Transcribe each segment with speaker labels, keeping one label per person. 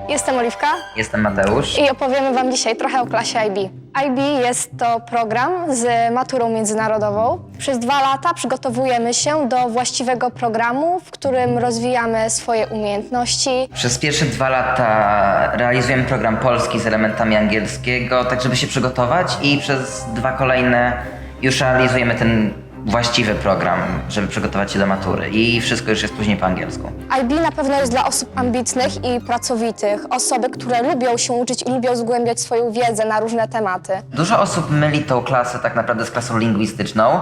Speaker 1: Jestem Oliwka
Speaker 2: Jestem Mateusz.
Speaker 1: i opowiemy Wam dzisiaj trochę o klasie IB. IB jest to program z maturą międzynarodową. Przez 2 lata przygotowujemy się do właściwego programu, w którym rozwijamy swoje umiejętności.
Speaker 2: Przez pierwsze 2 lata realizujemy program polski z elementami angielskiego, tak żeby się przygotować, i przez 2 kolejne już realizujemy ten właściwy program, żeby przygotować się do matury, i wszystko już jest później po angielsku.
Speaker 1: IB na pewno jest dla osób ambitnych i pracowitych, osoby, które lubią się uczyć i lubią zgłębiać swoją wiedzę na różne tematy.
Speaker 2: Dużo osób myli tą klasę tak naprawdę z klasą lingwistyczną,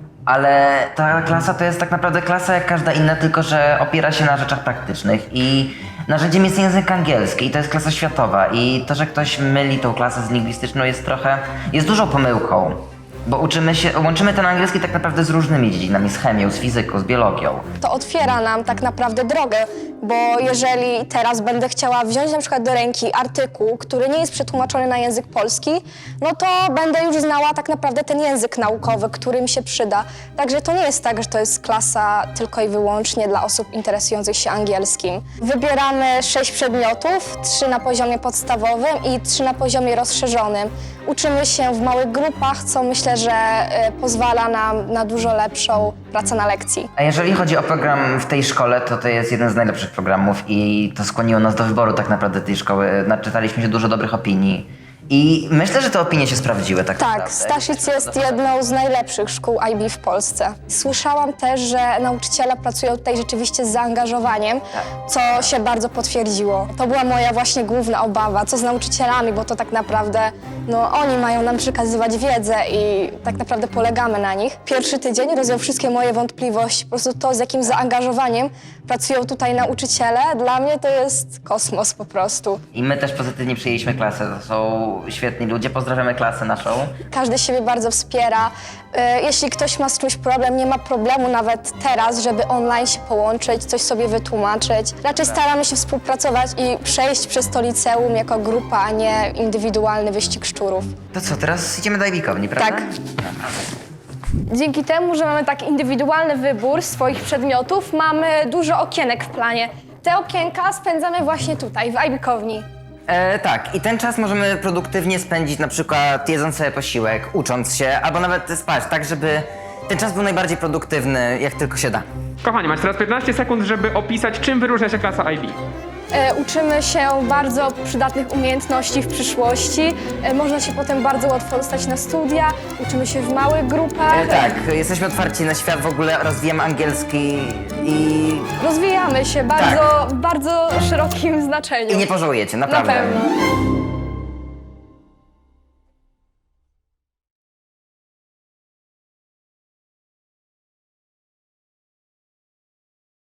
Speaker 2: ale ta klasa to jest tak naprawdę klasa jak każda inna, tylko że opiera się na rzeczach praktycznych i narzędziem jest język angielski, i to jest klasa światowa, i to, że ktoś myli tą klasę z lingwistyczną jest dużą pomyłką, bo łączymy ten angielski tak naprawdę z różnymi dziedzinami, z chemią, z fizyką, z biologią.
Speaker 1: To otwiera nam tak naprawdę drogę, bo jeżeli teraz będę chciała wziąć na przykład do ręki artykuł, który nie jest przetłumaczony na język polski, no to będę już znała tak naprawdę ten język naukowy, który mi się przyda. Także to nie jest tak, że to jest klasa tylko i wyłącznie dla osób interesujących się angielskim. Wybieramy 6 przedmiotów, 3 na poziomie podstawowym i 3 na poziomie rozszerzonym. Uczymy się w małych grupach, co myślę, że pozwala nam na dużo lepszą pracę na lekcji.
Speaker 2: A jeżeli chodzi o program w tej szkole, to jest jeden z najlepszych programów i to skłoniło nas do wyboru tak naprawdę tej szkoły. Naczytaliśmy się dużo dobrych opinii i myślę, że te opinie się sprawdziły tak naprawdę.
Speaker 1: Tak, Staszic jest jedną z najlepszych szkół IB w Polsce. Słyszałam też, że nauczyciele pracują tutaj rzeczywiście z zaangażowaniem, co się bardzo potwierdziło. To była moja właśnie główna obawa, co z nauczycielami, bo to tak naprawdę oni mają nam przekazywać wiedzę i tak naprawdę polegamy na nich. Pierwszy tydzień rozwiał wszystkie moje wątpliwości. Po prostu to, z jakim zaangażowaniem pracują tutaj nauczyciele, dla mnie to jest kosmos po prostu.
Speaker 2: I my też pozytywnie przyjęliśmy klasę. To są świetni ludzie. Pozdrawiamy klasę naszą.
Speaker 1: Każdy siebie bardzo wspiera. Jeśli ktoś ma z czymś problem, nie ma problemu nawet teraz, żeby online się połączyć, coś sobie wytłumaczyć. Raczej staramy się współpracować i przejść przez to liceum jako grupa, a nie indywidualny wyścig szczurów.
Speaker 2: To co, teraz idziemy do IB-kowni, prawda?
Speaker 1: Tak.
Speaker 3: Dzięki temu, że mamy tak indywidualny wybór swoich przedmiotów, mamy dużo okienek w planie. Te okienka spędzamy właśnie tutaj, w IB-kowni.
Speaker 2: Tak, i ten czas możemy produktywnie spędzić, na przykład jedząc sobie posiłek, ucząc się, albo nawet spać, tak żeby ten czas był najbardziej produktywny, jak tylko się da.
Speaker 4: Kochani, macie teraz 15 sekund, żeby opisać, czym wyróżnia się klasa IB.
Speaker 3: Uczymy się bardzo przydatnych umiejętności w przyszłości. Można się potem bardzo łatwo dostać na studia. Uczymy się w małych grupach.
Speaker 2: Tak, jesteśmy otwarci na świat, w ogóle rozwijamy angielski i
Speaker 3: Rozwijamy się w bardzo szerokim znaczeniu.
Speaker 2: nie pożałujecie, naprawdę.
Speaker 3: Na pewno.